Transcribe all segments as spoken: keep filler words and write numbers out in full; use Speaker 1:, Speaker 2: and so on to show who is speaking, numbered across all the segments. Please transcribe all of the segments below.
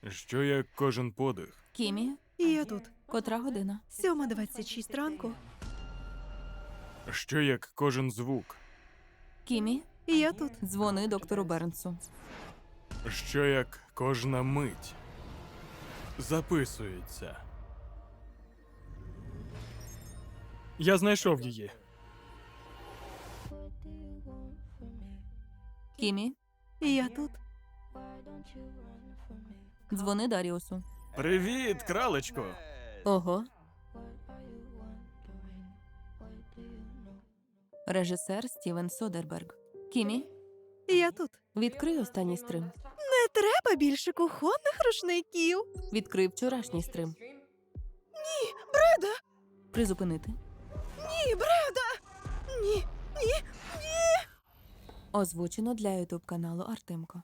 Speaker 1: Що як кожен подих?
Speaker 2: Кімі,
Speaker 3: І я тут.
Speaker 2: котра година?
Speaker 3: Сьома двадцять шість ранку.
Speaker 1: Що як кожен звук?
Speaker 2: Кімі,
Speaker 3: І я тут.
Speaker 2: дзвони доктору Бернсу.
Speaker 1: Що як кожна мить записується? Я знайшов її.
Speaker 2: Кімі,
Speaker 3: І я тут.
Speaker 2: дзвони Даріусу.
Speaker 1: Привіт, кралечко!
Speaker 2: Ого. Режисер Стівен Содерберг. Кімі,
Speaker 3: І я тут.
Speaker 2: відкрий останній стрим.
Speaker 3: Не треба більше кухонних рушників.
Speaker 2: Відкрий вчорашній стрим.
Speaker 3: Бреда!
Speaker 2: Призупинити.
Speaker 3: Ні, Бреда! Ні, ні.
Speaker 2: Озвучено для ютуб каналу Артемко.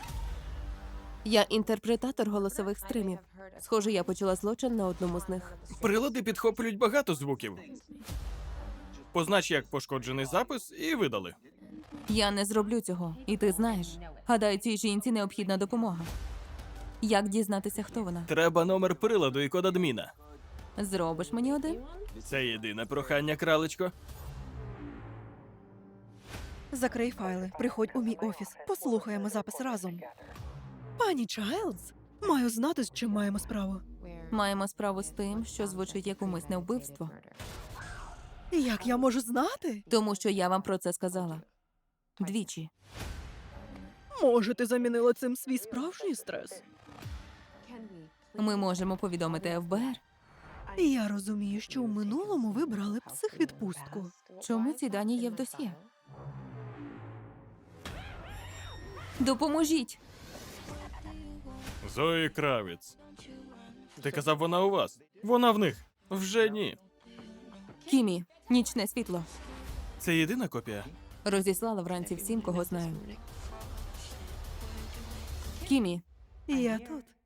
Speaker 2: Я інтерпретатор голосових стримів. Схоже, я почала злочин на одному з них.
Speaker 1: Прилади підхоплюють багато звуків. Познач як пошкоджений запис і видали.
Speaker 2: Я не зроблю цього, і ти знаєш. Гадаю, цій жінці необхідна допомога. Як дізнатися, хто вона?
Speaker 1: Треба номер приладу і код адміна.
Speaker 2: Зробиш мені один?
Speaker 1: Це єдине прохання, кралечко.
Speaker 3: Закрий файли. Приходь у мій офіс. Послухаємо запис разом. Пані Чайлдс, маю знати, з чим маємо справу.
Speaker 2: Маємо справу з тим, що звучить як умисне вбивство.
Speaker 3: Як я можу знати?
Speaker 2: Тому що я вам про це сказала. Двічі.
Speaker 3: Може, ти замінила цим свій справжній стрес?
Speaker 2: Ми можемо повідомити еф бе ер.
Speaker 3: Я розумію, що у минулому ви брали психвідпустку.
Speaker 2: Чому ці дані є в досьє? Допоможіть!
Speaker 1: Зої Кравіц. Ти казав, вона у вас. Вона в них. Вже ні.
Speaker 2: Кімі, нічне світло.
Speaker 1: Це єдина копія?
Speaker 2: Розіслала вранці всім, кого знаю. Кімі,
Speaker 3: І я тут.